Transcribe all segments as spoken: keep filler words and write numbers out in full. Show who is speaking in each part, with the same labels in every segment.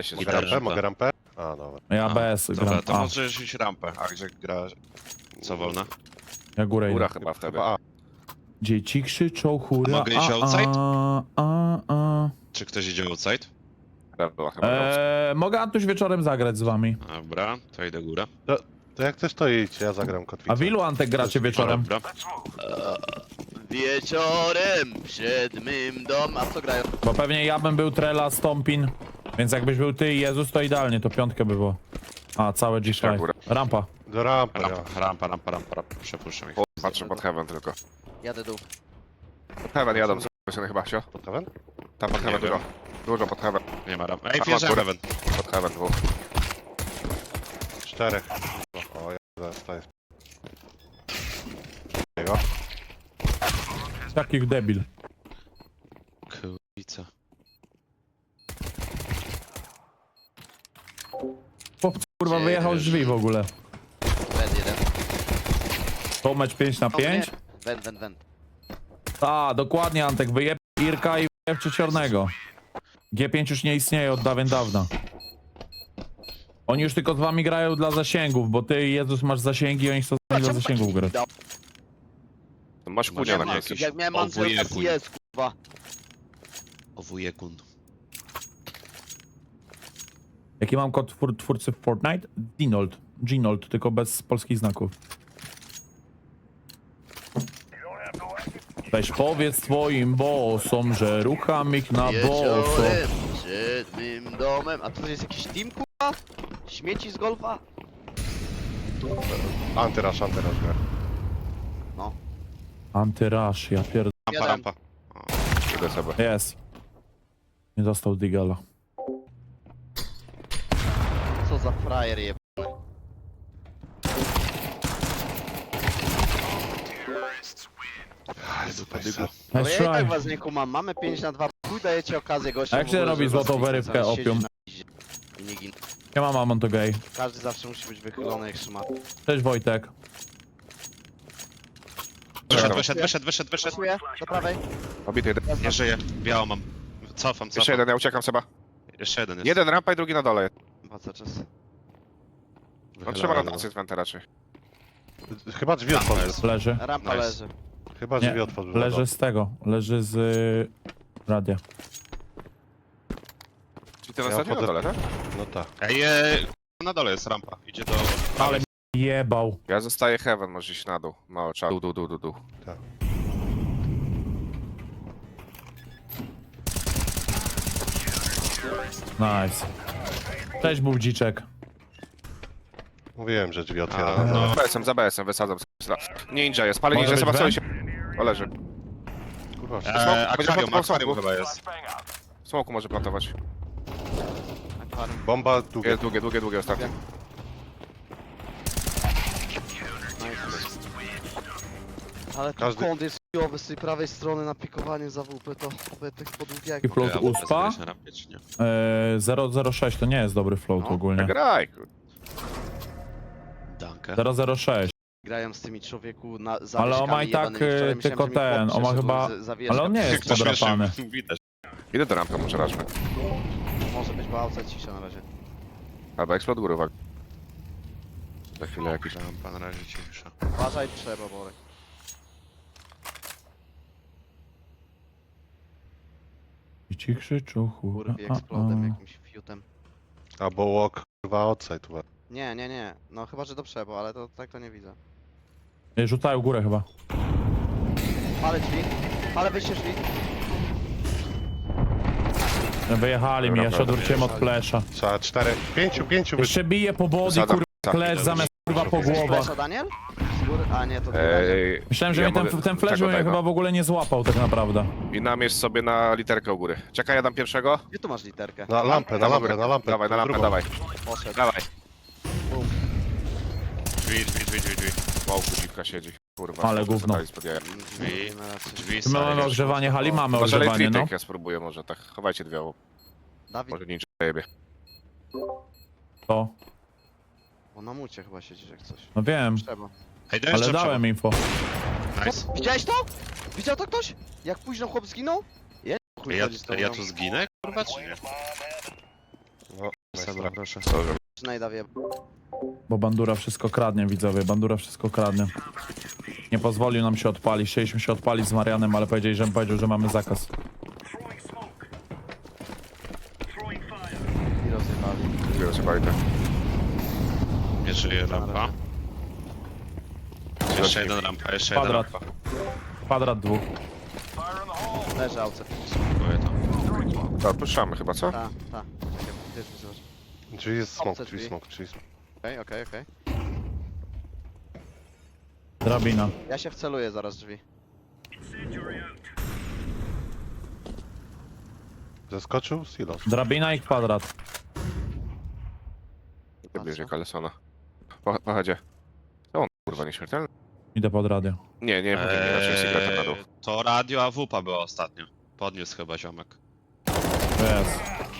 Speaker 1: się
Speaker 2: Mogę
Speaker 1: zgadza.
Speaker 2: rampę? Mogę rampę? A, dobra.
Speaker 3: Ja
Speaker 4: A,
Speaker 3: bez
Speaker 4: Dobra,
Speaker 3: gram.
Speaker 4: to
Speaker 3: A,
Speaker 4: możesz iść rampę, a gdzie gra... Co wolna?
Speaker 3: ja górę
Speaker 1: Góra
Speaker 3: idę.
Speaker 1: chyba wtedy.
Speaker 2: Chyba A.
Speaker 3: Dzieci krzyczą hura,
Speaker 4: A mogę iść
Speaker 3: a,
Speaker 4: outside?
Speaker 3: a, a, a.
Speaker 4: Czy ktoś idzie outside?
Speaker 1: Chyba była chyba.
Speaker 3: Eee, mogę Antuś wieczorem zagrać z wami.
Speaker 4: Dobra, to idę górę.
Speaker 2: To jak też to idź, ja zagram kotwicę.
Speaker 3: A w ilu Antek gracie wieczorem?
Speaker 4: Dobra.
Speaker 5: Wieczorem przed mym dom. A co grają?
Speaker 3: Bo pewnie ja bym był Trela, Stompin. Więc jakbyś był ty i Jezus, to idealnie, to piątkę by było. A, całe G pięć.
Speaker 1: góra.
Speaker 3: Rampa.
Speaker 2: Do rampy, ja.
Speaker 4: Rampa, rampa, rampa, rampa, rampa. Przepuszczam ich.
Speaker 1: Patrzę pod heaven tylko.
Speaker 5: Jadę dół.
Speaker 1: Heaven jadą, zobaczymy chyba, sio?
Speaker 2: Pod heaven?
Speaker 1: Tam pod
Speaker 4: Nie
Speaker 1: heaven
Speaker 4: wiem.
Speaker 1: dużo. Dużo pod heaven.
Speaker 4: Nie ma rampy. Ej,
Speaker 1: A,
Speaker 4: wjeżdżam
Speaker 1: góra.
Speaker 4: heaven.
Speaker 1: Pod heaven dwóch.
Speaker 2: Czterech. O, ja zaraz staję. Jego.
Speaker 3: Takich debil.
Speaker 4: Kurwica.
Speaker 3: Chłop, kurwa, wyjechał z drzwi w ogóle.
Speaker 5: Wend jeden.
Speaker 3: To mecz pięć na pięć?
Speaker 5: Wend, wend, wend.
Speaker 3: A, dokładnie, Antek, wyjeb Irka i wyjeb Czeciornego. G pięć już nie istnieje od dawien dawna. Oni już tylko z wami grają dla zasięgów, bo ty, Jezus, masz zasięgi, oni chcą z wami dla zasięgów grać.
Speaker 1: Masz kunia na
Speaker 4: Masz
Speaker 1: jakieś.
Speaker 5: Jak miałem
Speaker 4: O,
Speaker 5: Ansel,
Speaker 4: wujek,
Speaker 5: jest kurwa.
Speaker 4: O wujekun.
Speaker 3: Jaki mam kod twór twórcy w Fortnite? Ginold. Ginold, tylko bez polskich znaków. Weź powiedz twoim bossom, że rucham ich na boso.
Speaker 5: Wieczorem przed mym domem. A to jest jakiś team kurwa? Śmieci z golfa?
Speaker 2: Antyrasz, antyrasz gra.
Speaker 5: No.
Speaker 3: Antyrush, ja pierd...
Speaker 4: Rampa,
Speaker 5: Jeden.
Speaker 4: rampa.
Speaker 1: Idę sobie.
Speaker 3: Jest. Nie dostał Digala.
Speaker 5: Co za frajer je. Ale
Speaker 3: Nice
Speaker 5: ja i tak
Speaker 3: try.
Speaker 5: was nie kumam. Mamy pięć na dwa. Chuj dajecie okazję gościom.
Speaker 3: A jak
Speaker 5: w
Speaker 3: się
Speaker 5: ogóle,
Speaker 3: robi
Speaker 5: żeby
Speaker 3: złotą
Speaker 5: was
Speaker 3: wyrywkę,
Speaker 5: zamiast siedzieć
Speaker 3: opium?
Speaker 5: na piździe i nie gin.
Speaker 3: Nie ma mamon to gay.
Speaker 5: Każdy zawsze musi być wychylony jak szmat.
Speaker 3: Cześć Wojtek.
Speaker 4: Wyszedł, wyszedł, wyszedł, wyszedł, wyszedł.
Speaker 5: Pasuje do prawej.
Speaker 1: Obity jeden.
Speaker 4: Nie żyje. Białą mam. Cofam,
Speaker 1: Jeszcze
Speaker 4: cofam.
Speaker 1: jeden, ja uciekam seba.
Speaker 4: Jeszcze jeden jest.
Speaker 1: Jeden rampa i drugi na dole.
Speaker 5: Ma co czas.
Speaker 1: No trzeba rotację z wenta raczej.
Speaker 2: Chyba drzwi otworzył.
Speaker 3: Leży.
Speaker 5: Rampa
Speaker 4: Nice.
Speaker 5: leży.
Speaker 2: Chyba
Speaker 3: Nie,
Speaker 2: drzwi otworzył.
Speaker 3: leży z tego. Leży z y, radia.
Speaker 1: Czyli ten
Speaker 2: Ja
Speaker 1: ostatni na
Speaker 2: wchodzę-
Speaker 1: dole, tak?
Speaker 2: No tak.
Speaker 4: Ej, e, na dole jest rampa. Idzie do...
Speaker 3: Ale jebał.
Speaker 1: Ja zostaję heaven, możesz iść na dół. No, trzeba. Dół, dół, dół, dół, dół.
Speaker 3: Nice. Cześć Budziczek.
Speaker 2: Mówiłem, że drzwi
Speaker 4: A,
Speaker 2: otwieram.
Speaker 4: no.
Speaker 1: Za B S-em, za B S-em, wysadzam. Ninja jest, pali
Speaker 3: Może
Speaker 1: ninja,
Speaker 3: być
Speaker 1: seba
Speaker 3: Ben?
Speaker 1: się. O, leży.
Speaker 2: Kurwa,
Speaker 4: Eee,
Speaker 1: Będzie
Speaker 4: akwarium,
Speaker 1: plantował
Speaker 4: akwarium
Speaker 1: smoku.
Speaker 4: chyba jest.
Speaker 1: W smoku może plantować.
Speaker 5: Akwarium.
Speaker 2: bomba długie.
Speaker 1: Długie, długie, długie, długie ostatnie.
Speaker 5: Ale tu
Speaker 2: Każdy-
Speaker 5: kąt jest chujowy z tej prawej strony na pikowanie za W P, to oby tych
Speaker 3: I
Speaker 5: podługiego.
Speaker 3: float
Speaker 4: Ja mogę
Speaker 3: uspa.
Speaker 4: zagrać na rampie, czy nie?
Speaker 3: E, zero zero sześć to nie jest dobry float
Speaker 1: No,
Speaker 3: ogólnie.
Speaker 1: graj. kur-
Speaker 4: Dankę.
Speaker 3: zero zero sześć.
Speaker 5: Grają z tymi człowieku na
Speaker 3: Ale on ma i tak, y, tylko ten, on ma chyba- Ale on nie jest
Speaker 4: Ktoś
Speaker 3: podrapany.
Speaker 4: jeszcze widać.
Speaker 1: Idę do rampy, może rażmy.
Speaker 5: Może być bałca cisza na razie.
Speaker 1: Albo explode góry, uwaga. Za chwilę jakiś.
Speaker 4: Rampa na razie cisza.
Speaker 5: Uważaj, trzeba, Borek.
Speaker 3: I ci krzyczą hura.
Speaker 5: Kurwi
Speaker 3: a,
Speaker 5: eksplodem,
Speaker 3: a.
Speaker 5: jakimś fiutem.
Speaker 2: Albo walk, kurwa, outside. Uwaga.
Speaker 5: Nie, nie, nie. No chyba, że do przebo, ale to tak to nie widzę.
Speaker 3: Ej, rzucają górę chyba.
Speaker 5: Ale drzwi. Ale wyjście drzwi.
Speaker 3: Wyjechali mi, ja się odwróciłem od flesza.
Speaker 2: Trzeba cztery, pięciu, pięciu wy...
Speaker 3: Jeszcze bije po body,
Speaker 1: Wysadzam.
Speaker 3: kurwa,
Speaker 1: Tak,
Speaker 3: flash zamiast kurwa po głowach.
Speaker 5: Flesza, Daniel? Z góry? A nie, to nie.
Speaker 1: Ej,
Speaker 3: Myślałem, że
Speaker 1: ja
Speaker 3: mnie ten,
Speaker 1: mogę-
Speaker 3: ten flash
Speaker 1: czego
Speaker 3: mnie
Speaker 1: daj, no.
Speaker 3: chyba w ogóle nie złapał tak naprawdę.
Speaker 1: I namierz sobie na literkę u góry. Czekaj, ja dam pierwszego.
Speaker 5: Gdzie tu masz literkę?
Speaker 2: Na lampę, na
Speaker 1: Dam u
Speaker 2: lampę,
Speaker 1: góry.
Speaker 2: na lampę.
Speaker 1: Dawaj, na lampę,
Speaker 2: drugą.
Speaker 1: dawaj.
Speaker 5: Poszedł.
Speaker 1: Dawaj.
Speaker 5: Bum.
Speaker 4: Drzwi, drzwi, drzwi, drzwi, drzwi.
Speaker 1: Wow, dziwka siedzi. Kurwa.
Speaker 3: Ale
Speaker 1: znowu
Speaker 3: gówno.
Speaker 1: zadali spod jaja.
Speaker 4: Drzwi,
Speaker 5: Nie ma racji.
Speaker 4: drzwi,
Speaker 3: My mamy
Speaker 4: stary.
Speaker 3: ogrzewanie hali, mamy
Speaker 1: Może
Speaker 3: ogrzewanie, no.
Speaker 1: elektryk ja spróbuję może tak. Chowajcie dwie. bo
Speaker 5: Dawid,
Speaker 1: Może ninja jebie.
Speaker 3: To.
Speaker 5: o na mucie chyba siedzisz jak coś.
Speaker 3: No wiem,
Speaker 5: Trzeba.
Speaker 4: Ej, daj
Speaker 3: ale
Speaker 4: jeszcze
Speaker 3: dałem info.
Speaker 4: przewód. Nice.
Speaker 5: Widziałeś to? Widział to ktoś? Jak późno chłop zginął? Ja nie chuj
Speaker 4: Ja,
Speaker 5: chodzi z tobą.
Speaker 4: ja tu zginę, kurwa, czy nie?
Speaker 2: No,
Speaker 4: Seba, proszę.
Speaker 1: Dobrze.
Speaker 5: Znajda wie.
Speaker 3: Bo Bandura wszystko kradnie, widzowie. Bandura wszystko kradnie. Nie pozwolił nam się odpalić. Chcieliśmy się odpalić z Marianem, ale powiedzieli, że powiedział, że mamy zakaz.
Speaker 5: I rozjebali.
Speaker 1: Biorę sobie bajkę.
Speaker 4: Nie żyje rampa. Jeszcze jeden rampa, jeszcze jeden
Speaker 3: Kwadrat.
Speaker 4: rampa.
Speaker 3: Kwadrat dwóch.
Speaker 5: Leży auce.
Speaker 4: Spróbuję to.
Speaker 1: Tak, puszczamy chyba, co?
Speaker 5: Ta, ta. Też mi zobacz.
Speaker 2: Drzwi jest smoke,
Speaker 5: Obce
Speaker 2: drzwi
Speaker 5: drzwi.
Speaker 2: smoke, drzwi smoke.
Speaker 5: Okej, okej, okej.
Speaker 3: Drabina.
Speaker 5: Ja się wceluję zaraz drzwi.
Speaker 2: Zeskoczył? Silos.
Speaker 3: Drabina i kwadrat.
Speaker 1: Nie bliżej Kalesona. Po, pochodzie. To on, kurwa, nieśmiertelny?
Speaker 3: Idę pod radio.
Speaker 1: Nie, nie, nie, nie, raczej Secreta na dół.
Speaker 4: Eee, to radio A W P A była ostatnio. Podniósł chyba ziomek.
Speaker 3: Jest.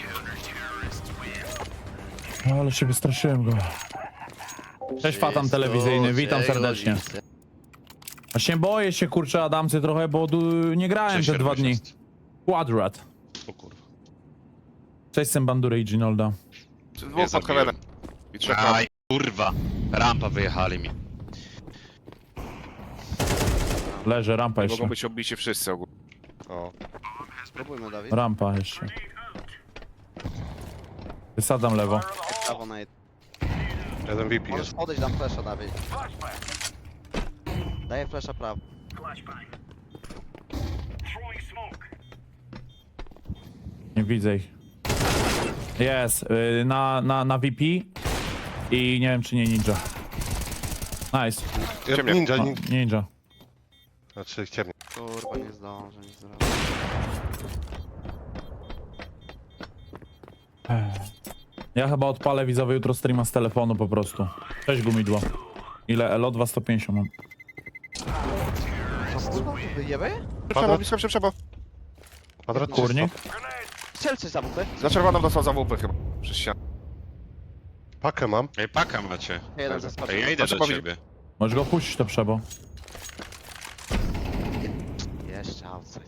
Speaker 3: Ale się wystraszyłem go. Cześć, Fatam telewizyjny, witam serdecznie. Właśnie boję się, kurczę, Adamcy trochę, bo du- nie grałem te dwa dni. Kwadrat.
Speaker 4: O kurwa.
Speaker 3: Cześć, Sembandury i Ginolda.
Speaker 1: Dwóch pod
Speaker 4: zabiłem.
Speaker 1: Heavenem. I trzech tam.
Speaker 4: Aj, kurwa. Rampa wyjechali mi.
Speaker 3: Leży, rampa jeszcze.
Speaker 1: Mogą być obici wszyscy ogólnie.
Speaker 2: O.
Speaker 5: Spróbujmy, Dawid.
Speaker 3: Rampa jeszcze. Wysadzam lewo.
Speaker 5: Prawo na jed...
Speaker 2: Jeden V P
Speaker 5: Możesz
Speaker 2: jest.
Speaker 5: podejść, dam flesza, Dawid. Daję flesza prawo.
Speaker 3: Nie widzę ich. Jest, y, na, na, na V P i nie wiem czy nie ninja. Nice.
Speaker 2: Ja,
Speaker 1: Ciemnie.
Speaker 2: ninja,
Speaker 3: O,
Speaker 2: ninja.
Speaker 3: ninja.
Speaker 2: Znaczy ciemnie.
Speaker 5: Kurwa, nie zdążę nic zrobić.
Speaker 3: Ja chyba odpalę widzowy jutro streama z telefonu po prostu. Cześć gumidło. Ile elo? dwieście pięćdziesiąt mam.
Speaker 5: Co kurwa, ty wyjebę?
Speaker 1: Przebo, blisko się przebo.
Speaker 2: Kwadrat
Speaker 3: Kurnik?
Speaker 5: Strzel coś za bupy.
Speaker 1: Za czerwoną dostał za łupy chyba. Przez ścianę.
Speaker 2: Pakę mam.
Speaker 4: Ej, paka macie.
Speaker 5: Jeden zaskoczył.
Speaker 4: Ej, ja idę
Speaker 1: Proszę
Speaker 4: do
Speaker 1: powiedzieć-
Speaker 4: ciebie.
Speaker 3: Możesz go puścić to przebo.
Speaker 5: Jeszcze outside.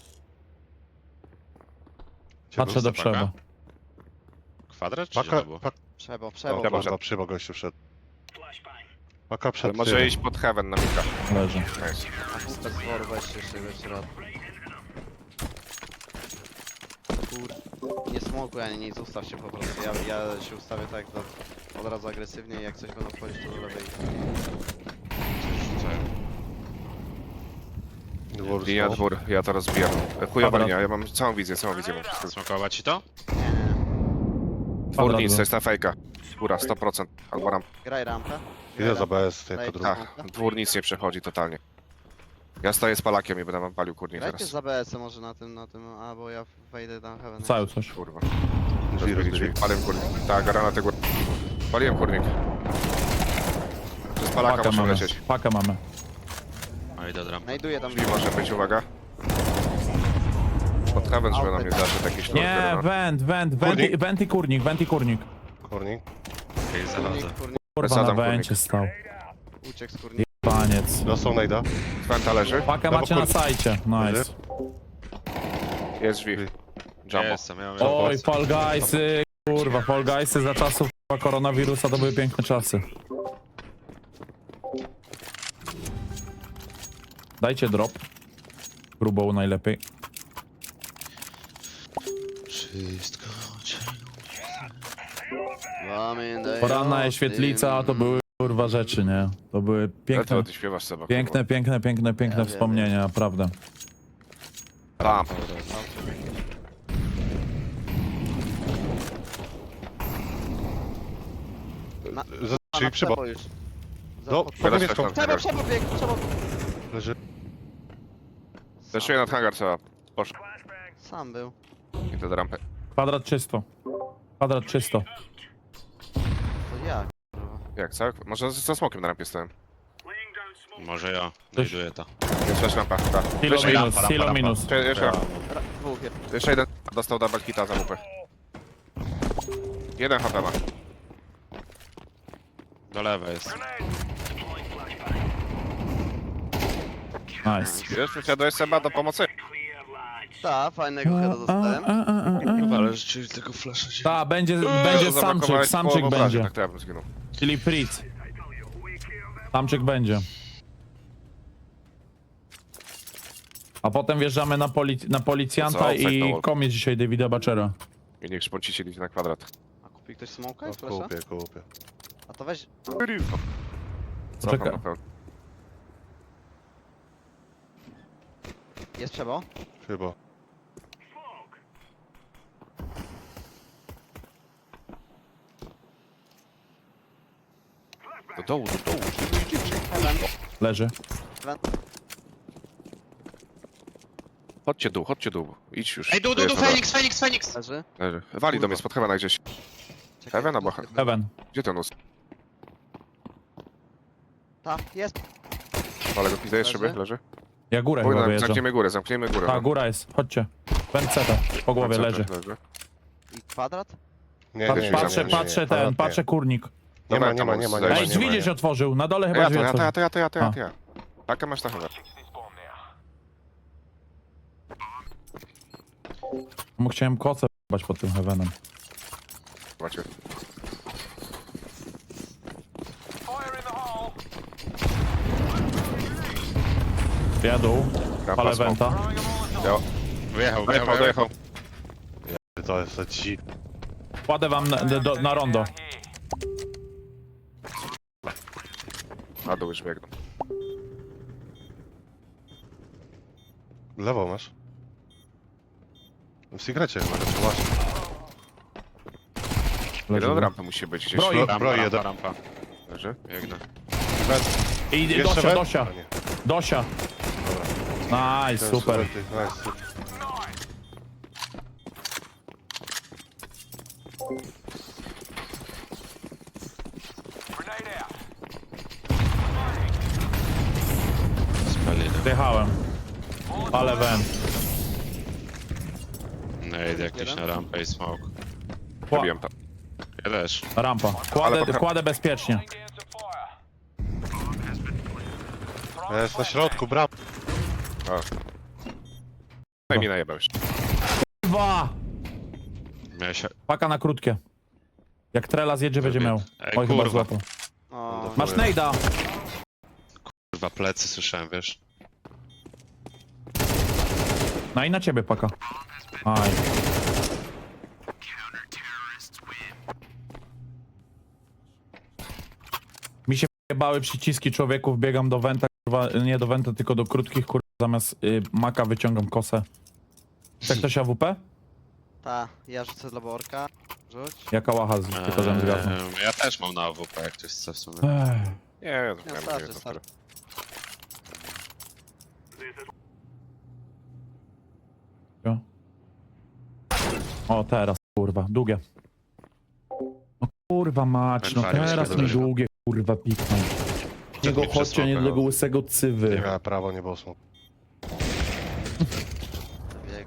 Speaker 3: Patrzę do
Speaker 4: Paka?
Speaker 3: przebo.
Speaker 4: Kwadrat czy
Speaker 2: Paka,
Speaker 4: znowu?
Speaker 2: paka,
Speaker 5: Przebo, przebo.
Speaker 1: Dobra,
Speaker 2: dobra, przybo gościu wszedł. Paka
Speaker 1: Ale
Speaker 2: przed
Speaker 1: może
Speaker 2: tyłem.
Speaker 1: iść pod Heaven na mika.
Speaker 3: Leży.
Speaker 1: Nice.
Speaker 5: A bupę z woru weźcie jeszcze w środku. Kur... Nie smokuj ani nic, ustaw się po prostu. Ja, ja się ustawię tak do, od razu agresywnie i jak coś będą wchodzić to do lewej.
Speaker 2: Dwór
Speaker 1: Linia
Speaker 2: smoke.
Speaker 1: dwór, ja to rozbijam. Chujowa
Speaker 3: Kwadrat.
Speaker 1: linia, ja mam całą wizję, całą wizję mam.
Speaker 4: Smokować ci to?
Speaker 5: Nie, nie, nie.
Speaker 1: Dwór
Speaker 3: Kwadrat
Speaker 1: nic,
Speaker 3: był.
Speaker 1: to jest na fejka. Góra, sto procent. Albo ram.
Speaker 5: Graj rampę. Graj
Speaker 2: Idę za
Speaker 5: rampę.
Speaker 2: B S,
Speaker 5: Daj
Speaker 2: jako drugi.
Speaker 1: Tak, dwór nic nie przechodzi totalnie. Ja stoję z palakiem i będę wam palił kurnik
Speaker 5: Grajcie
Speaker 1: zaraz.
Speaker 5: za B S może na tym, na tym, a bo ja wejdę tam heaven.
Speaker 3: Cały coś.
Speaker 1: Kurwa.
Speaker 2: Drzwi
Speaker 1: Rozbili drzwi.
Speaker 2: rozbili.
Speaker 1: Paliłem kurnik. Tak, granatę gór. Paliłem kurnik. Przez palaka
Speaker 3: Pakę
Speaker 1: muszę
Speaker 3: mamy.
Speaker 1: lecieć.
Speaker 3: Pakę mamy.
Speaker 4: A idę do rampy.
Speaker 5: Znajduję tam.
Speaker 1: Drzwi może być, uwaga. Pod Heaven, żeby na mnie zaszedł jakiś
Speaker 3: Nie,
Speaker 1: lord.
Speaker 3: went, went, went, i- went i kurnik, went i kurnik.
Speaker 2: Kurnik.
Speaker 4: Okej, zachodzę.
Speaker 5: Kurnik, kurnik,
Speaker 3: Kurwa
Speaker 1: Wysadzam
Speaker 3: na
Speaker 1: kurnik.
Speaker 3: wencie stał.
Speaker 5: uciekł z kurnika.
Speaker 3: Paniec.
Speaker 2: Dostał najda.
Speaker 1: Fenta leży.
Speaker 3: Pakę
Speaker 2: Lewo
Speaker 3: macie na
Speaker 2: kurnik.
Speaker 3: sajcie. Nice.
Speaker 2: Leży.
Speaker 1: Jest drzwi. Jumbo.
Speaker 4: Jestem, ja mam...
Speaker 3: Oj, Fall Guysy. Kurwa, Fall Guysy za czasów kurwa, koronawirusa to były piękne czasy. Dajcie drop. Grubą najlepiej.
Speaker 4: Wszystko cię...
Speaker 3: Poranna świetlica to były kurwa rzeczy, nie? To były
Speaker 1: Ale
Speaker 3: piękne,
Speaker 1: to ty śpiewasz Seba.
Speaker 3: piękne, piękne, piękne, piękne
Speaker 5: Ja wiem,
Speaker 3: wspomnienia, naprawdę.
Speaker 1: Tam.
Speaker 5: Na-
Speaker 2: Z- Czyli przybo.
Speaker 5: Przebo już. Za-
Speaker 2: Do,
Speaker 5: pod-
Speaker 2: pod niebieską.
Speaker 1: Teraz
Speaker 5: Przebo, przebo bieg, przebo.
Speaker 2: Leży.
Speaker 1: Zeszuję nad hangar Seba. Poszło.
Speaker 5: Sam był.
Speaker 1: I to do rampy.
Speaker 3: Kwadrat czysto. Kwadrat czysto.
Speaker 5: To ja. kurwa.
Speaker 1: Jak, co? Może ze smokiem na rampie stałem.
Speaker 4: Może ja. Znajduję to.
Speaker 1: Jest też rampa. Tak.
Speaker 3: Silo
Speaker 1: Jeszcze,
Speaker 3: minus,
Speaker 4: rampa,
Speaker 3: silo
Speaker 4: rampa.
Speaker 3: minus.
Speaker 1: jeszcze, jeszcze,
Speaker 5: Ra- Dwóch je.
Speaker 1: jeszcze jeden dostał double hita za łupy. Jeden H P ma.
Speaker 4: Do lewej jest.
Speaker 3: Nice.
Speaker 1: Wiesz, przysiadłeś Seba do pomocy.
Speaker 5: Ta, fajnego heada dostałem.
Speaker 3: A, a, a, a, a.
Speaker 4: Kurwa, ale Ale rzeczywiście tego flasha się...
Speaker 3: Ta, będzie, będzie samczyk,
Speaker 1: Zablokowałeś
Speaker 3: samczyk
Speaker 1: połowę obrażeń,
Speaker 3: będzie.
Speaker 1: Tak, to ja bym zginął.
Speaker 3: Czyli Fritz. Samczyk będzie. A potem wjeżdżamy na, polic na policjanta
Speaker 1: To co? Offside na
Speaker 3: i
Speaker 1: wall.
Speaker 3: komie dzisiaj Davida Bachera.
Speaker 1: I niech szponcicie liczy na kwadrat.
Speaker 5: A kupi ktoś smoka
Speaker 2: No,
Speaker 5: i flasha?
Speaker 2: kupię, kupię.
Speaker 5: A to weź...
Speaker 1: Cofam
Speaker 3: Czeka-
Speaker 1: na pełno.
Speaker 5: Jest przebo?
Speaker 2: Chyba.
Speaker 1: Do dołu, do dołu.
Speaker 5: Heaven.
Speaker 3: Leży.
Speaker 5: Heaven.
Speaker 1: Chodźcie dół, chodźcie dół. Idź już.
Speaker 4: Ej, du,
Speaker 1: Tu
Speaker 4: du,
Speaker 1: jest
Speaker 4: du,
Speaker 1: dobra.
Speaker 4: Feniks, Feniks, Feniks!
Speaker 5: Leży.
Speaker 1: Leży. Wali do mnie spod heavena gdzieś.
Speaker 5: Czekaj,
Speaker 1: Heaven albo
Speaker 5: tu-
Speaker 1: he-
Speaker 3: Heaven.
Speaker 1: Gdzie ten us?
Speaker 5: Ta, jest.
Speaker 1: Ale go pizdę jest
Speaker 5: Leży.
Speaker 1: szyby, leży.
Speaker 3: Ja górę
Speaker 1: Oj,
Speaker 3: chyba
Speaker 1: no,
Speaker 3: wyjeżdżam.
Speaker 1: zamkniemy górę, zamkniemy górę.
Speaker 3: Ta,
Speaker 1: no.
Speaker 3: góra jest. Chodźcie. Pęceta. Po głowie
Speaker 1: Tam
Speaker 3: leży.
Speaker 1: leży.
Speaker 5: I kwadrat?
Speaker 2: Nie,
Speaker 3: Patrz,
Speaker 2: nie, nie,
Speaker 3: patrzę,
Speaker 2: nie, nie,
Speaker 3: patrzę
Speaker 2: nie.
Speaker 3: ten,
Speaker 2: Kwadrat
Speaker 3: patrzę kurnik.
Speaker 2: Nie ma,
Speaker 1: Dobra,
Speaker 2: nie
Speaker 1: tam
Speaker 2: ma, nie ma, nie
Speaker 1: zejść.
Speaker 2: ma.
Speaker 3: Ej,
Speaker 2: nie
Speaker 3: drzwi
Speaker 2: ma,
Speaker 3: gdzieś
Speaker 2: nie.
Speaker 3: otworzył. Na dole
Speaker 1: Ja
Speaker 3: chyba
Speaker 1: to,
Speaker 3: drzwi
Speaker 1: ja to, ja
Speaker 3: otworzył.
Speaker 1: to, ja to, ja to, ja
Speaker 3: A.
Speaker 1: to, ja. Taka masz na heaven.
Speaker 3: Mu chciałem kocę b***ać pod tym Heavenem.
Speaker 1: Macie.
Speaker 3: Jadą.
Speaker 1: Rampa,
Speaker 3: Palę
Speaker 1: smoke.
Speaker 3: wenta.
Speaker 1: Ja.
Speaker 4: Wyjechał, wyjechał,
Speaker 1: Dojechał,
Speaker 4: wyjechał.
Speaker 1: dojechał.
Speaker 2: To jest za ci.
Speaker 3: Kładę wam na, do, na rondo.
Speaker 1: Na dół już biegną.
Speaker 2: Lewo masz. W sekrecie chyba, czy właśnie.
Speaker 1: Jeden od rampy musi być gdzieś.
Speaker 3: Broi.
Speaker 4: Rampa,
Speaker 2: Broi
Speaker 4: rampa,
Speaker 2: jeden.
Speaker 4: rampa.
Speaker 1: Leży.
Speaker 4: Biegnę.
Speaker 3: I
Speaker 2: Jeszcze
Speaker 3: Dosia,
Speaker 2: we-
Speaker 3: Dosia.
Speaker 2: A, nie.
Speaker 3: Dosia. Nice,
Speaker 2: Ten
Speaker 3: super.
Speaker 2: ty, nice, super.
Speaker 4: Spalili.
Speaker 3: Wjechałem. Ale went.
Speaker 4: Nade jakiś na rampę i smoke.
Speaker 3: Kła
Speaker 1: Zabiłem tam.
Speaker 4: Ja też.
Speaker 3: rampa.
Speaker 1: Ale
Speaker 3: Kładę,
Speaker 1: potem-
Speaker 3: kładę bezpiecznie.
Speaker 2: Jest na środku, bram.
Speaker 1: No i mi najebał jeszcze.
Speaker 3: Dwa.
Speaker 4: Miałem się...
Speaker 3: Paka na krótkie. Jak Trela zjedzie, będzie miał.
Speaker 4: Ej,
Speaker 3: Oj, chyba
Speaker 4: kurwa.
Speaker 3: złapał.
Speaker 5: O,
Speaker 3: Masz nejda.
Speaker 4: Kurwa, plecy słyszałem, wiesz?
Speaker 3: No i na ciebie, Paka. Aj. Mi się bały przyciski człowieków, biegam do wenta, kurwa, nie do wenta, tylko do krótkich, kurwa, zamiast y, maka wyciągam kosę. Chce ktoś A W P?
Speaker 5: ta, ja rzucę dla Borka. Rzuć.
Speaker 3: Jaka łacha z tylko żem zgasł.
Speaker 4: Eee, ja też mam na A W P, jak ktoś chce w sumie.
Speaker 3: Ech.
Speaker 1: Nie, ja to
Speaker 5: Nie,
Speaker 1: miałem
Speaker 5: starczy,
Speaker 1: nie, to
Speaker 5: starczy.
Speaker 3: Jo. O, teraz, kurwa, długie. No kurwa mać, no
Speaker 4: Fajnie,
Speaker 3: teraz
Speaker 4: fajnie.
Speaker 3: mi długie, kurwa, pikną. Niego
Speaker 4: mi
Speaker 3: chodźcie, nie
Speaker 4: przesłał,
Speaker 3: tego łysego cywy.
Speaker 2: Nie miała prawo, nie było smoku.
Speaker 5: Bieg.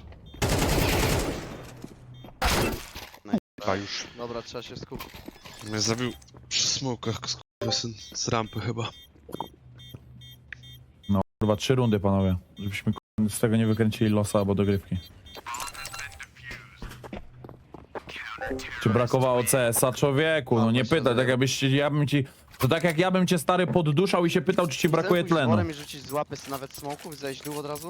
Speaker 2: A już.
Speaker 5: Dobra, trzeba się skupić.
Speaker 4: Mnie zabił przy smokach syn z rampy chyba.
Speaker 3: No kurwa, trzy rundy, panowie. Żebyśmy kurwa, z tego nie wykręcili losa albo dogrywki. Czy brakowało C S a człowieku? No nie pytaj, tak jakbyś ci- ja bym ci... To tak jak ja bym cię stary podduszał i się pytał, czy ci brakuje
Speaker 5: Chcesz pójść z
Speaker 3: tlenu.
Speaker 5: worem i rzucić z łapy z- nawet smoków i zejść dół od razu?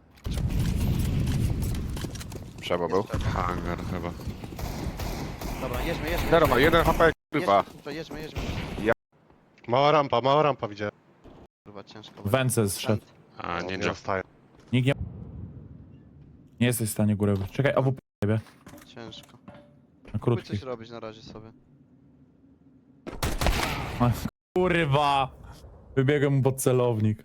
Speaker 1: Trzeba był.
Speaker 4: Hangar chyba.
Speaker 5: Dobra, jedźmy, jedźmy.
Speaker 1: Zero ma, jeden H P, kurwa.
Speaker 5: Jedźmy, kurwa, jedźmy, jedźmy.
Speaker 2: Mała rampa, mała rampa widziałem.
Speaker 5: Kurwa, ciężko. będzie.
Speaker 3: Węce zszedł.
Speaker 4: A,
Speaker 2: No,
Speaker 4: nie,
Speaker 2: nie
Speaker 4: nie.
Speaker 2: dostaję.
Speaker 3: Nikt nie... Nie jesteś w stanie górę wyjść. Czekaj, A W P ciebie.
Speaker 5: Ciężko.
Speaker 3: Na
Speaker 5: Próbuj
Speaker 3: krótki.
Speaker 5: coś robić na razie sobie.
Speaker 3: Ach, kurwa! Wybiegłem mu pod celownik.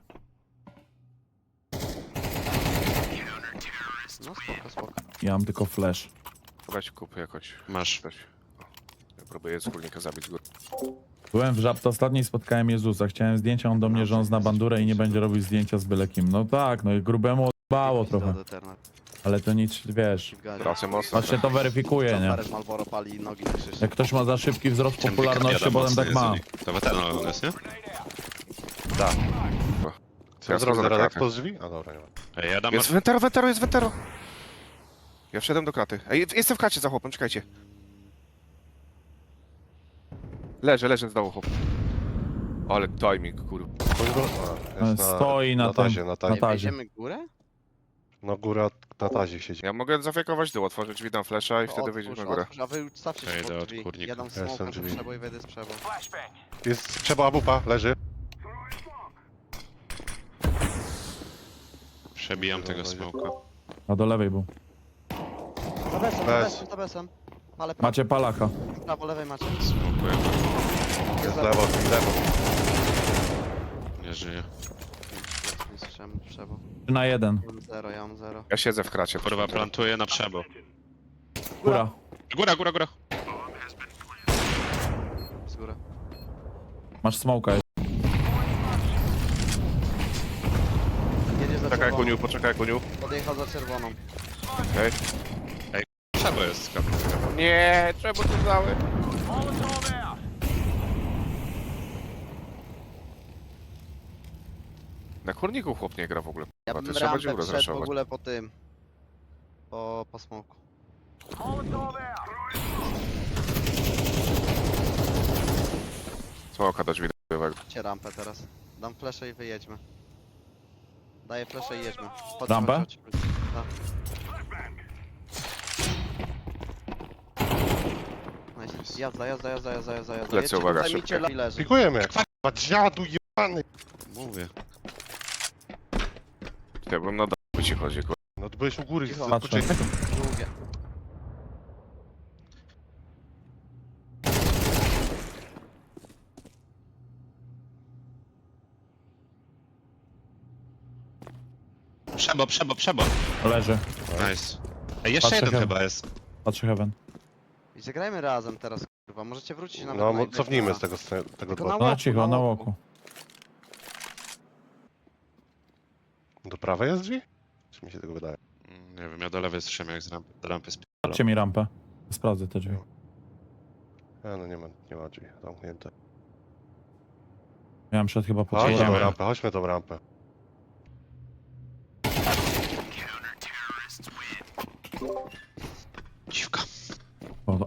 Speaker 5: No spoko, spoko.
Speaker 3: Ja mam tylko flash.
Speaker 1: Weź kup jakoś.
Speaker 4: Masz.
Speaker 1: Weź. O, ja próbuję wspólnika zabić z góry.
Speaker 3: Byłem w Żabce ostatniej i spotkałem Jezusa. Chciałem zdjęcia, on do mnie, że on zna bandurę i nie będzie robił zdjęcia z byle kim. No tak, no i grubemu odbało trochę. Ale to nic, wiesz.
Speaker 1: Trasy mocno.
Speaker 3: Patrzcie, to weryfikuje, nie?
Speaker 5: Parę Malboro pali i nogi na krzyż.
Speaker 3: Jak ktoś ma za szybki wzrost popularności, potem tak ma.
Speaker 4: To weteran on jest, nie?
Speaker 2: Da.
Speaker 1: Ja
Speaker 2: Co zrobić
Speaker 1: schodzę na
Speaker 2: teraz?
Speaker 1: kratę.
Speaker 2: Po drzwi? A dobra, nie ma.
Speaker 4: Ej, ja dam...
Speaker 1: Jest wentero, wentero, jest wentero. Ja wszedłem do kraty. Ej, jestem w kracie za chłopem, czekajcie. Leżę, leżę z dołu chłop. Ale timing, kurwa.
Speaker 2: On go... A, jest na,
Speaker 3: Stoi na
Speaker 2: na tazie,
Speaker 3: tym-
Speaker 2: na
Speaker 3: na
Speaker 2: tazie.
Speaker 5: Ej,
Speaker 3: tazie.
Speaker 5: wejdziemy górę?
Speaker 2: No góra na tazie siedzi.
Speaker 1: Ja mogę zafiekować dół, otworzyć drzwi, dam flasha i wtedy
Speaker 5: Otwórz,
Speaker 1: wyjdziemy na górę.
Speaker 5: otwórz, a wy stawcie
Speaker 4: Ja
Speaker 5: się
Speaker 4: idę
Speaker 5: pod
Speaker 4: od
Speaker 5: drzwi.
Speaker 4: kurnika.
Speaker 5: Ja dam
Speaker 2: jestem
Speaker 5: smoka do
Speaker 2: drzwi.
Speaker 5: przebo i wejdę z przebo.
Speaker 2: Jest trzeba bupa, leży.
Speaker 4: Przebijam tego smoka.
Speaker 3: A do lewej był.
Speaker 5: Za besem, za
Speaker 2: Bez.
Speaker 5: besem, za besem. Ale prawo,
Speaker 3: Macie palaka.
Speaker 5: prawo, lewej macie.
Speaker 4: Smokuję.
Speaker 2: Jest lewo, lewo.
Speaker 4: Nie żyje.
Speaker 5: Ja nie słyszałem przebo.
Speaker 3: trzy na jeden.
Speaker 5: Ja mam zero, ja mam zero.
Speaker 1: Ja siedzę w kracie.
Speaker 4: Kurwa, plantuję na przebo.
Speaker 3: Góra.
Speaker 4: Góra, góra, góra.
Speaker 5: Z góry.
Speaker 3: Masz smoka.
Speaker 5: Jedzie za
Speaker 1: Poczekaj
Speaker 5: czerwoną.
Speaker 1: kuniu, poczekaj kuniu.
Speaker 5: Podjechał za czerwoną.
Speaker 1: Okej.
Speaker 4: Przebo jest skam.
Speaker 1: Nie, czemu to dały? Na kurniku chłop nie gra w ogóle.
Speaker 5: Ja
Speaker 1: A
Speaker 5: bym
Speaker 1: to trzeba dziurę
Speaker 5: rampę wszedł w
Speaker 1: zraszować.
Speaker 5: ogóle po tym. Po, po smoku.
Speaker 1: Smoka do drzwi dojowego.
Speaker 5: Cię rampę teraz. Dam fleszę i wyjedźmy. Daję fleszę i jedźmy. Chodź,
Speaker 3: Rampę?
Speaker 5: chodź, chodź. Tak. Nice. Jazda, jazda, jazda, jazda, jazda, jazda.
Speaker 1: Lecę,
Speaker 5: Jedźcie,
Speaker 1: uwaga,
Speaker 5: zajmijcie
Speaker 1: szybkie.
Speaker 5: la- i leży.
Speaker 2: Pikujemy. Kurwa, dziadu jebany.
Speaker 4: Mówię.
Speaker 1: Ja bym na dół ci chodzi, kurwa.
Speaker 2: No ty byłeś u góry.
Speaker 5: Cicho.
Speaker 2: z-
Speaker 3: Patrzę.
Speaker 2: poczekaj.
Speaker 5: Długie.
Speaker 4: Przebo, przebo, przebo.
Speaker 3: Leży.
Speaker 4: Nice. Ej, jeszcze
Speaker 3: Patrzę
Speaker 4: jeden
Speaker 3: chyba.
Speaker 4: chyba jest.
Speaker 3: Patrzę heaven.
Speaker 5: I zagrajmy razem teraz, kurwa. Możecie wrócić nawet
Speaker 2: No
Speaker 5: na
Speaker 2: mo-
Speaker 5: jednego.
Speaker 2: cofnijmy z tego, z tego
Speaker 5: Tylko
Speaker 2: dwa.
Speaker 5: na
Speaker 3: No
Speaker 5: łoku,
Speaker 3: cicho, na
Speaker 5: łoku.
Speaker 3: łoku.
Speaker 2: Do prawej jest drzwi? Czy mi się tego wydaje?
Speaker 4: Mm, Nie wiem, ja do lewej słyszałem jak z rampy. Do rampy sp...
Speaker 3: Dajcie mi rampę. Sprawdzę te drzwi.
Speaker 2: A, no nie ma, nie ma drzwi zamknięte.
Speaker 3: Miałem przed chyba po
Speaker 2: Chodźmy tą
Speaker 4: Idziemy.
Speaker 2: rampę, chodźmy tą rampę.
Speaker 4: Dziwka.
Speaker 3: Woda.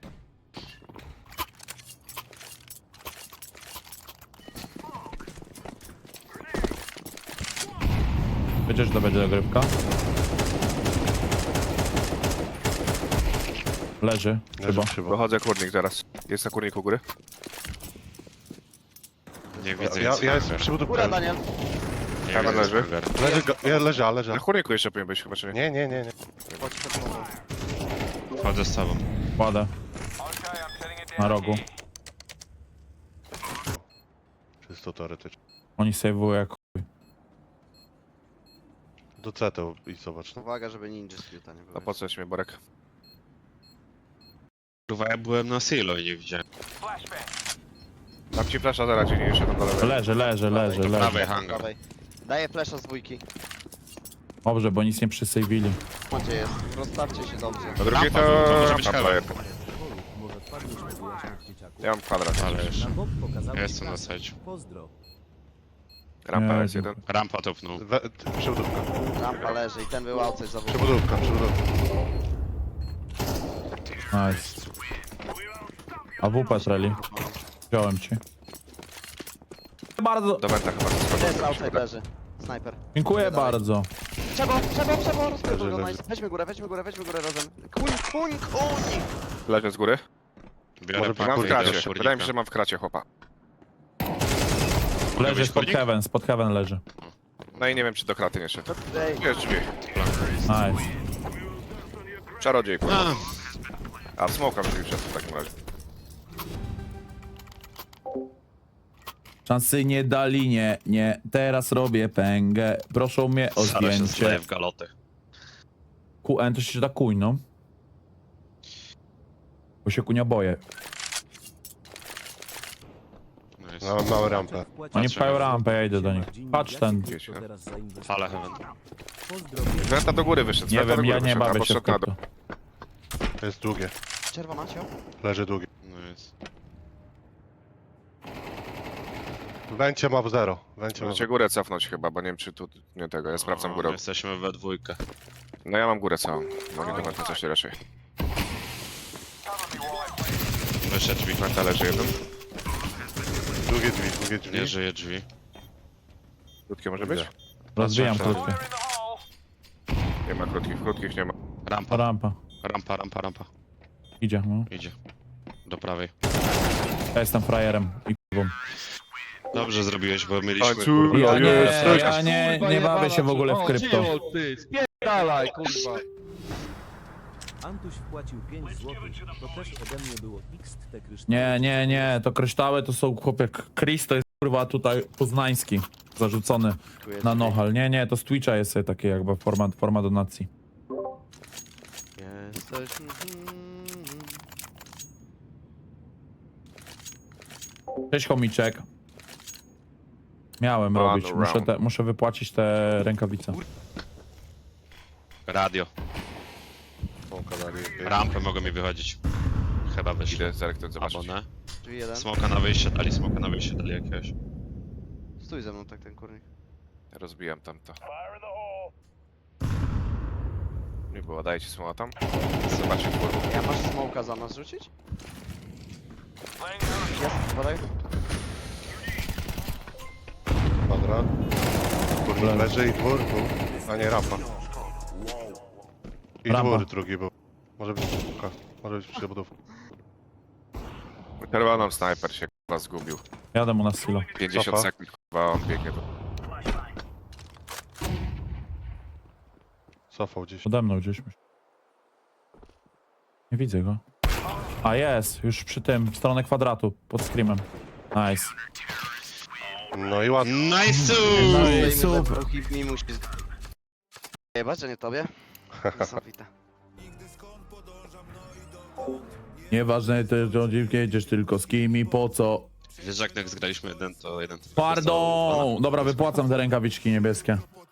Speaker 3: Wiecie, że to będzie dogrywka? Leży,
Speaker 2: Leży
Speaker 3: chyba.
Speaker 2: przybo.
Speaker 1: Wychodzę kurnik zaraz. Jest na kurniku góry?
Speaker 4: Nie widzę
Speaker 2: Ja,
Speaker 4: nic.
Speaker 2: ja jestem przy
Speaker 5: Góra,
Speaker 2: budówce.
Speaker 5: Daniel.
Speaker 4: Nie
Speaker 1: Tam
Speaker 4: widzę
Speaker 1: leży.
Speaker 4: Skulgar.
Speaker 2: Leży, go- ja leży, a leży.
Speaker 1: Na kurniku jeszcze powinien być chyba, czy nie?
Speaker 2: Nie, nie, nie, nie.
Speaker 5: Chodź przed tobą.
Speaker 4: Chodzę z tobą.
Speaker 3: Kładę. Na rogu.
Speaker 2: Czysto teoretycznie.
Speaker 3: Oni sejwują jak chuj.
Speaker 2: Do C to i zobacz. No.
Speaker 5: Uwaga, żeby ninja skillta nie było.
Speaker 1: No po co mnie Borek?
Speaker 4: Kurwa, ja byłem na silo i nie widziałem.
Speaker 1: Dam ci flasha zaraz, nie jeszcze tam do lewej.
Speaker 3: Leży, leży, leży,
Speaker 4: do
Speaker 3: leży.
Speaker 4: prawej hangar.
Speaker 5: Prawej. Daję flesza z dwójki.
Speaker 3: Dobrze, bo nic nie przysejwili.
Speaker 5: Macie jest. Rozstawcie się dobrze.
Speaker 1: Na drugiej
Speaker 4: Rampa,
Speaker 1: to...
Speaker 4: to może być
Speaker 1: rampa
Speaker 4: heaven.
Speaker 1: player.
Speaker 6: Może wpadniesz wyjaśnić dzieciaku.
Speaker 1: Ja mam kwadrat.
Speaker 4: Ale już.
Speaker 6: Na bok pokazał
Speaker 4: Ja
Speaker 6: ci
Speaker 4: jestem na
Speaker 6: trasę.
Speaker 4: sajcie.
Speaker 6: Pozdro.
Speaker 1: Rampa
Speaker 3: Nie,
Speaker 1: jest jeden.
Speaker 4: Rampa topnął.
Speaker 2: We, t- przybudówka,
Speaker 5: Rampa leży i ten był outside za wód.
Speaker 2: przybudówka, przybudówka.
Speaker 3: Nice. A W P treli. Wziąłem ci. Bardzo.
Speaker 1: Do wenta chyba.
Speaker 5: To jest outside leży. Snajper.
Speaker 3: Dziękuję
Speaker 5: Dalej.
Speaker 3: bardzo.
Speaker 5: Trzeba, trzeba, trzeba, rozpierdol
Speaker 2: Leży,
Speaker 5: go,
Speaker 2: leży.
Speaker 5: nice. Weźmy górę, weźmy górę, weźmy górę razem. Kuń, kuń, kuń!
Speaker 1: Leży z góry.
Speaker 4: Biorę
Speaker 2: Może
Speaker 4: pakę
Speaker 1: Mam w
Speaker 4: i idę do
Speaker 1: kracie.
Speaker 4: kurnika.
Speaker 1: Wydaje mi się, że mam w kracie chłopa.
Speaker 4: Mogę
Speaker 3: Leży
Speaker 4: być
Speaker 3: spod
Speaker 4: kurnik?
Speaker 3: heaven, spod heaven leży.
Speaker 1: No i nie wiem, czy do kraty nie szedł.
Speaker 5: Ej,
Speaker 1: Jest drzwi.
Speaker 3: Nice.
Speaker 1: Czarodziej, kurwa.
Speaker 4: A,
Speaker 1: A w smoka drzwi wszedł w takim razie.
Speaker 3: Szansy nie dali, nie, nie. Teraz robię pęgę. Proszą mnie o
Speaker 4: Sara się zleje
Speaker 3: zdjęcie.
Speaker 4: w galotę.
Speaker 3: Q N to się da kuń, no. Bo się kunia boję.
Speaker 4: Nice.
Speaker 2: No, małą rampę.
Speaker 3: Oni
Speaker 4: Patrzę.
Speaker 3: pchają rampę, ja idę do nich. Patrz ten.
Speaker 1: Wiecie, no.
Speaker 4: Fala heaven.
Speaker 6: Pozdro.
Speaker 1: Z wenta do góry wyszedł. z
Speaker 3: Nie
Speaker 1: wenta do
Speaker 3: wiem,
Speaker 1: góry
Speaker 3: ja nie
Speaker 1: wyszedł, a
Speaker 3: bawię się
Speaker 1: poszedł
Speaker 3: w
Speaker 1: na dół.
Speaker 3: to.
Speaker 2: To jest długie.
Speaker 5: czerwona cio?
Speaker 2: Leży długie.
Speaker 4: Nice.
Speaker 2: Węcie ma w zero. Węcie ma w
Speaker 1: Możecie górę cofnąć chyba, bo nie wiem, czy tu nie tego. Ja sprawdzam
Speaker 4: O,
Speaker 1: górę.
Speaker 4: Jesteśmy we dwójkę.
Speaker 1: No ja mam górę całą. Mogę do Menta coś raczej.
Speaker 4: Jeszcze drzwi.
Speaker 1: Menta leży jeden.
Speaker 2: Drugie drzwi, drugie drzwi.
Speaker 4: Nie żyje drzwi.
Speaker 1: Krótkie może być?
Speaker 3: Rozbijam
Speaker 2: Patrzę.
Speaker 3: krótkie.
Speaker 1: Nie ma krótkich, krótkich nie ma.
Speaker 4: Rampa,
Speaker 3: Rampa.
Speaker 4: rampa, rampa, rampa.
Speaker 3: Idzie, no.
Speaker 4: Idzie. Do prawej.
Speaker 3: Ja jestem frajerem i kurwą.
Speaker 4: Dobrze zrobiłeś, bo mieliśmy...
Speaker 1: Końcu.
Speaker 4: kurwa,
Speaker 3: Ja
Speaker 1: Oj,
Speaker 3: nie,
Speaker 1: jest, to
Speaker 3: ja nie, nie bawię się w ogóle w krypto.
Speaker 7: Spierdalaj, kurwa.
Speaker 6: Antuś wpłacił pięć złotych. To też ode mnie było X te kryształy.
Speaker 3: Nie, nie, nie, to kryształy to są chłopie. Chris to jest kurwa tutaj poznański. Zarzucony
Speaker 5: Dziękuję
Speaker 3: na
Speaker 5: ci.
Speaker 3: nohal. Nie, nie, to z Twitcha jest sobie takie jakby forma, forma donacji.
Speaker 5: Jesteś... mhm.
Speaker 3: Cześć chomiczek. Miałem
Speaker 1: Run
Speaker 3: robić, muszę,
Speaker 1: around.
Speaker 3: te, muszę wypłacić te rękawice.
Speaker 4: Radio.
Speaker 2: Smoka dali.
Speaker 4: Rampę mogą mi wychodzić. Chyba wyszli.
Speaker 1: Idę zerknąć zobaczyć.
Speaker 4: Albo nie.
Speaker 5: Drzwi jeden.
Speaker 4: Smoka na wyjście dali, smoka na wyjście dali jakiegoś.
Speaker 5: Stój ze mną tak ten kurnik.
Speaker 1: Rozbijam tamto. Nie było, dajcie smoła tam. Zobaczcie kurwa.
Speaker 5: Ja masz smoka za nas rzucić? Jest, podaj.
Speaker 2: Kwadrat. Kurwa, leży i dwór był. A nie, rampa. I
Speaker 3: Rampa.
Speaker 2: dwór drugi był. Może być smoka. Może być przebudówka.
Speaker 1: Czerwoną snajper się kurwa zgubił.
Speaker 3: Jadę mu na silo.
Speaker 1: pięćdziesiąt
Speaker 2: Cofa.
Speaker 1: sekund kurwa on biegnie tu.
Speaker 2: Cofał gdzieś.
Speaker 3: Ode mną gdzieś. myślę. Nie widzę go. A jest, już przy tym, w stronę kwadratu, pod screamem. Nice.
Speaker 2: No i ładnie.
Speaker 4: Nice!
Speaker 3: No i
Speaker 5: Stoimy
Speaker 3: super.
Speaker 5: we dwóch i mi musi... Jebać, że nie tobie? Niesamowite.
Speaker 3: Nieważne też, gdzie jedziesz, tylko z kim i po co.
Speaker 4: Wiesz, jak jak zgraliśmy jeden, to jeden... to
Speaker 3: Pardon! Dobra, wypłacam te rękawiczki niebieskie.